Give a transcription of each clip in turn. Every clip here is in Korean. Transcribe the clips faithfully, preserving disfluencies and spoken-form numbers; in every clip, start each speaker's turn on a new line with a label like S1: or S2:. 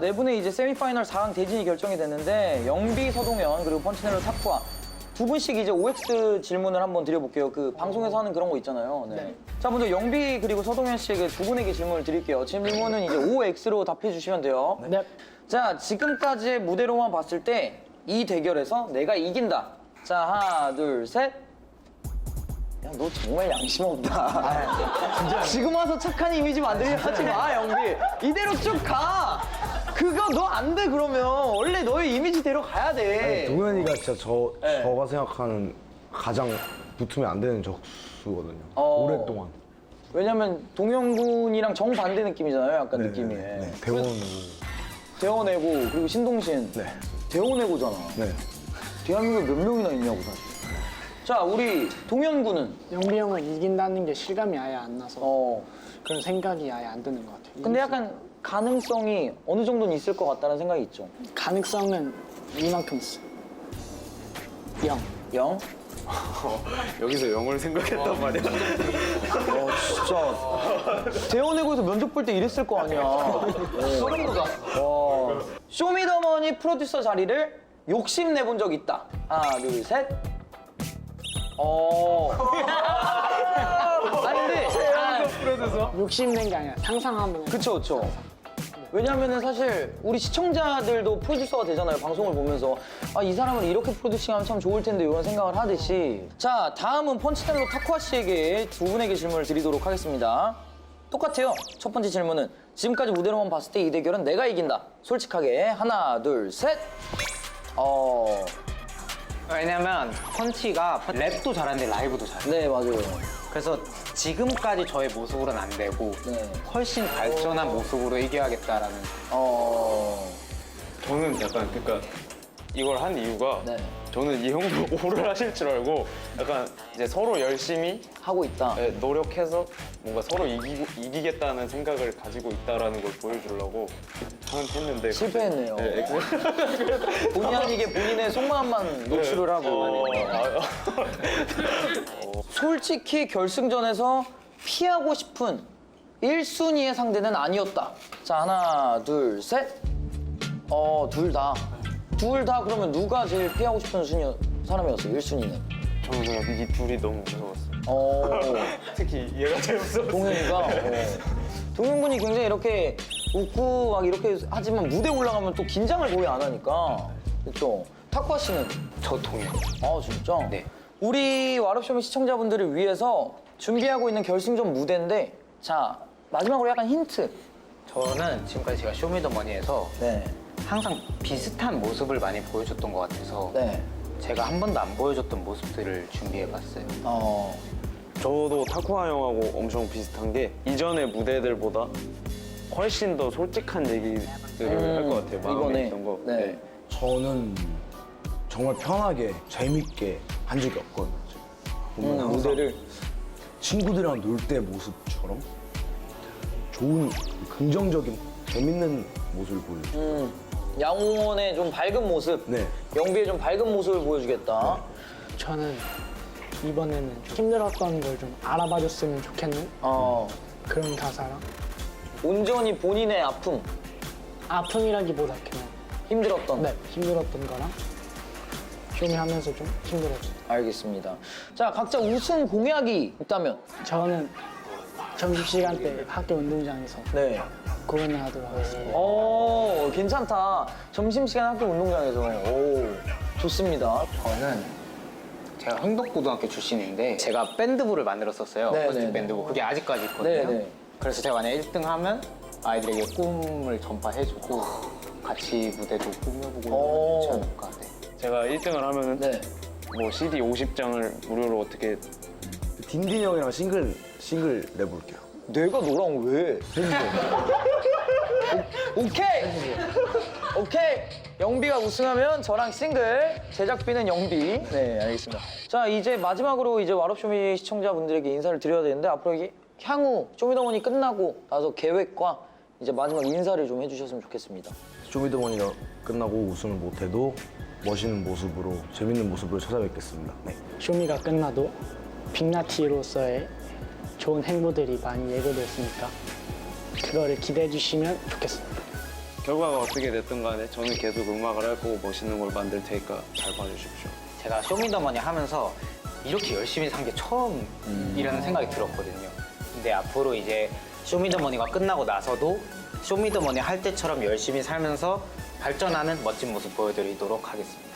S1: 네 분의 이제 세미파이널 사 강 대진이 결정이 됐는데 영비, 서동현 그리고 펀치넬로 타쿠아 두 분씩 이제 오엑스 질문을 한번 드려볼게요. 그 방송에서 하는 그런 거 있잖아요. 네.
S2: 네.
S1: 자, 먼저 영비 그리고 서동현 씨에게 두 분에게 질문을 드릴게요. 질문은 이제 오엑스로 답해 주시면 돼요.
S2: 네.
S1: 자, 지금까지의 무대로만 봤을 때 이 대결에서 내가 이긴다. 자, 하나, 둘, 셋. 야, 너 정말 양심 없다. 진짜. 지금 와서 착한 이미지 만들려 하지 마, 영비. 이대로 쭉 가. 그거 너 안 돼, 그러면. 원래 너의 이미지대로 가야 돼.
S3: 동현이가 진짜 저,
S1: 네.
S3: 저가 생각하는 가장 붙으면 안 되는 적수거든요.
S1: 어.
S3: 오랫동안.
S1: 왜냐면 동영군이랑 정반대 느낌이잖아요, 약간
S3: 네,
S1: 느낌이.
S3: 네, 네. 대원으로.
S1: 대원해고 그리고 신동신.
S3: 네.
S1: 대원해고잖아.
S3: 네.
S1: 대한민국에 몇 명이나 있냐고, 사실. 자, 우리 동현군은.
S2: 영비 형은 이긴다는 게 실감이 아예 안 나서
S1: 어.
S2: 그런 생각이 아예 안 드는 것 같아요.
S1: 근데 약간 가능성이 어느 정도는 있을 것 같다는 생각이 있죠.
S2: 가능성은 이만큼 있어. 영.
S1: 영?
S4: 여기서 영어를 생각했단 말이야.
S1: 어, 진짜. 대원해고에서 면접 볼 때 이랬을 거 아니야. 소름 돋아. 와. 쇼미더머니 프로듀서 자리를 욕심내본 적 있다. 하나, 둘, 셋. 어. 아니, 근데. 아,
S2: 욕심낸 게 아니라 상상하면
S1: 그쵸, 그쵸. 왜냐면은 사실 우리 시청자들도 프로듀서가 되잖아요, 방송을 보면서. 아, 이 사람을 이렇게 프로듀싱하면 참 좋을 텐데, 이런 생각을 하듯이. 자, 다음은 펀치넬로 타쿠아 씨에게 두 분에게 질문을 드리도록 하겠습니다. 똑같아요. 첫 번째 질문은 지금까지 무대로만 봤을 때 이 대결은 내가 이긴다. 솔직하게. 하나, 둘, 셋. 어.
S5: 왜냐면 펀치가 랩도 잘하는데 라이브도 잘해.
S1: 네, 맞아요.
S5: 그래서 지금까지 저의 모습으로는 안 되고
S1: 네.
S5: 훨씬 발전한 모습으로 이겨야겠다라는.
S1: 어.
S4: 저는 약간 그러니까 이걸 한 이유가
S1: 네.
S4: 저는 이 형도 오를 하실 줄 알고 약간 이제 서로 열심히
S1: 하고 있다.
S4: 네, 노력해서 뭔가 서로 이기고, 이기겠다는 생각을 가지고 있다라는 걸 보여주려고 하는 했는데
S1: 실패했네요.
S4: 네, 엑스-
S1: 본의 아니게 본인의 속마음만 노출을 하고.
S4: 어, 아,
S1: 솔직히 결승전에서 피하고 싶은 일 순위의 상대는 아니었다. 자, 하나, 둘, 셋. 어, 둘 다. 둘 다 그러면 누가 제일 피하고 싶은 순위, 사람이었어요, 일 순위는?
S4: 저는 그냥 이 둘이 너무 무서웠어요.
S1: 어,
S4: 특히 얘가 제일 무서웠어요.
S1: 동현이가. 어. 동현군이 굉장히 이렇게 웃고 막 이렇게 하지만 무대 올라가면 또 긴장을 거의 안 하니까. 그렇죠? 타쿠아 씨는?
S5: 저 동현.
S1: 아, 진짜?
S5: 네.
S1: 우리 와롭쇼미 시청자분들을 위해서 준비하고 있는 결승전 무대인데, 자, 마지막으로 약간 힌트.
S5: 저는 지금까지 제가 쇼미더머니에서
S1: 네.
S5: 항상 비슷한 모습을 많이 보여줬던 것 같아서
S1: 네.
S5: 제가 한 번도 안 보여줬던 모습들을 준비해봤어요.
S1: 어.
S4: 저도 타쿠아 형하고 엄청 비슷한 게 이전의 무대들보다 훨씬 더 솔직한 얘기들을 할 것 같아요. 마음에
S1: 이번에.
S4: 있던 거.
S1: 네.
S3: 저는 정말 편하게, 재밌게 한 적이 없거든요. 보면
S1: 음,
S3: 항상
S1: 무대를.
S3: 친구들이랑 놀 때 모습처럼 좋은, 긍정적인, 재밌는 모습을 보여줘요.
S1: 음, 양홍원의 좀 밝은 모습.
S3: 네.
S1: 영비의 좀 밝은 모습을 보여주겠다.
S2: 저는 이번에는 좀 힘들었던 걸 좀 알아봐줬으면 좋겠는
S1: 어.
S2: 그런 가사랑
S1: 온전히 본인의 아픔,
S2: 아픔이라기보다 그냥
S1: 힘들었던.
S2: 네, 힘들었던 거랑 쇼미하면서 좀 힘들었어요.
S1: 알겠습니다. 자, 각자 우승 공약이 있다면?
S2: 저는 점심시간 때 학교 운동장에서
S1: 네.
S2: 공연을 하도록 하겠습니다.
S1: 오, 괜찮다. 점심시간 학교 운동장에서. 오, 좋습니다.
S5: 저는 제가 흥덕고등학교 출신인데 제가 밴드부를 만들었었어요.
S1: 네,
S5: 어스틱
S1: 네,
S5: 밴드부. 그게 아직까지 있거든요.
S1: 네, 네.
S5: 그래서 제가 만약에 일 등 하면 아이들에게 꿈을 전파해주고 같이 무대도 꾸며보고
S1: 오.
S5: 이러면 좋지 않을까. 네.
S4: 제가 일 등을 하면은
S1: 네.
S4: 뭐 씨디 오십 장을 무료로 어떻게
S3: 딘딘 형이랑 싱글, 싱글 내볼게요.
S1: 내가 너랑 왜? 오, 오케이! 오케이! 영비가 우승하면 저랑 싱글, 제작비는 영비. 네, 알겠습니다. 자, 이제 마지막으로 이제 와롭쇼미 시청자분들에게 인사를 드려야 되는데 앞으로 이게 향후 쇼미더머니 끝나고 나서 계획과 이제 마지막 인사를 좀 해주셨으면 좋겠습니다.
S3: 쇼미더머니가 끝나고 우승을 못해도 멋있는 모습으로, 재밌는 모습으로 찾아뵙겠습니다. 네.
S2: 쇼미가 끝나도 빅나티로서의 좋은 행보들이 많이 예고됐으니까 그거를 기대해 주시면 좋겠습니다.
S4: 결과가 어떻게 됐든 간에 저는 계속 음악을 할 거고 멋있는 걸 만들 테니까 잘 봐주십시오.
S5: 제가 쇼미더머니 하면서 이렇게 열심히 산 게 처음이라는 생각이 들었거든요. 근데 앞으로 이제 쇼미더머니가 끝나고 나서도 쇼미더머니 할 때처럼 열심히 살면서 발전하는 멋진 모습 보여드리도록 하겠습니다.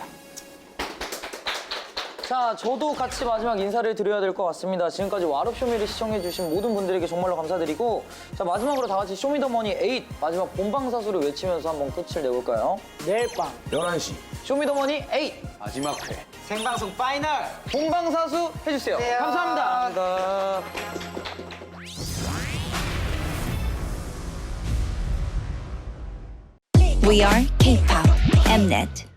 S1: 자, 저도 같이 마지막 인사를 드려야 될 것 같습니다. 지금까지 와롭쇼미를 시청해주신 모든 분들에게 정말로 감사드리고, 자, 마지막으로 다 같이 쇼미더머니 에잇 마지막 본방사수를 외치면서 한번 끝을 내볼까요?
S2: 내일 밤
S3: 열한 시.
S1: 쇼미더머니 에잇
S5: 마지막 회 생방송 파이널!
S1: 본방사수 해주세요. 감사합니다. 감사합니다.
S6: We are K-pop Mnet.